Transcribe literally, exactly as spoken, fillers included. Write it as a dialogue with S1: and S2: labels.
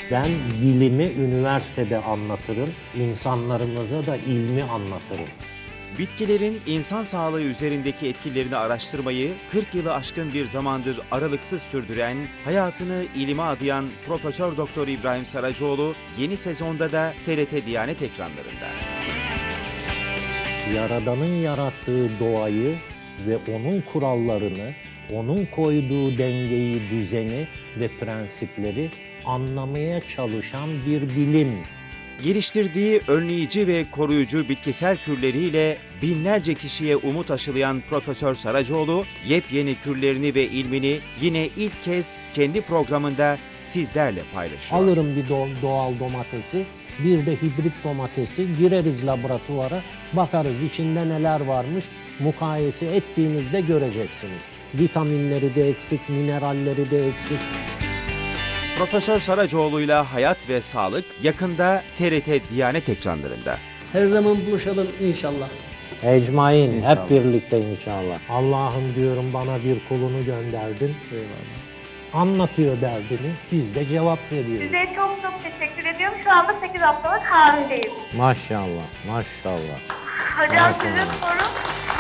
S1: Ben bilimi üniversitede anlatırım, insanlarımıza da ilmi anlatırım.
S2: Bitkilerin insan sağlığı üzerindeki etkilerini araştırmayı kırk yılı aşkın bir zamandır aralıksız sürdüren, hayatını ilime adayan Profesör Doktor İbrahim Saracoğlu yeni sezonda da T R T Diyanet ekranlarında.
S1: Yaradan'ın yarattığı doğayı ve onun kurallarını, onun koyduğu dengeyi, düzeni ve prensipleri anlamaya çalışan bir bilim.
S2: Geliştirdiği önleyici ve koruyucu bitkisel kürleriyle binlerce kişiye umut aşılayan Profesör Saracoğlu, yepyeni kürlerini ve ilmini yine ilk kez kendi programında sizlerle paylaşıyor.
S1: Alırım bir do- doğal domatesi, bir de hibrit domatesi, gireriz laboratuvara, bakarız içinde neler varmış, mukayese ettiğinizde göreceksiniz. Vitaminleri de eksik, mineralleri de eksik.
S2: Profesör Saracoğlu'yla Hayat ve Sağlık yakında T R T Diyanet ekranlarında.
S3: Her zaman buluşalım inşallah.
S1: Ecmain,
S2: İnşallah.
S1: hep birlikte inşallah. Allah'ım diyorum bana bir kulunu gönderdin. Anlatıyor derdini, biz de cevap veriyoruz.
S4: Size çok çok teşekkür ediyorum. Şu anda sekiz haftalık hamileyim.
S1: Maşallah, maşallah.
S4: Hocam
S1: Maşallah.
S4: sizin soru